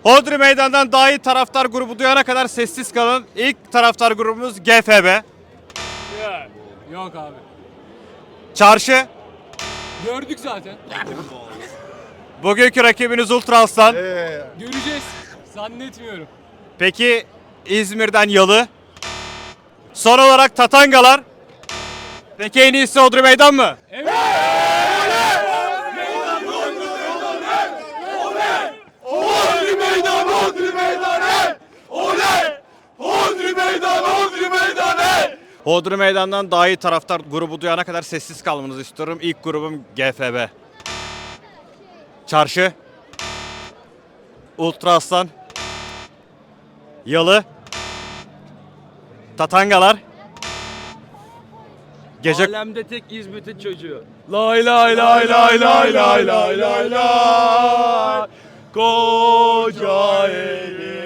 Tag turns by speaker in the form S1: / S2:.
S1: Hodri Meydan'dan daha iyi taraftar grubu duyana kadar sessiz kalın. İlk taraftar grubumuz GFB.
S2: Yok abi.
S1: Çarşı.
S2: Gördük zaten.
S1: Bugünkü rakibiniz Ultra Aslan.
S2: Göreceğiz. Zannetmiyorum.
S1: Peki İzmir'den Yalı. Son olarak Tatangalar. Peki en iyisi Hodri Meydan mı?
S2: Evet.
S3: Hodri meydan, Hodri meydan, hey! Oley! Hodri meydan, Hodri meydan, hey!
S1: Hodri Meydan'dan daha iyi taraftar grubu duyana kadar sessiz kalmanızı istiyorum. İlk grubum GFB. Çarşı. Ultra Aslan. Yalı. Tatangalar. Gece
S4: Alemde tek İzmit'in çocuğu.
S3: Lay lay lay lay lay lay lay lay lay. Koca eli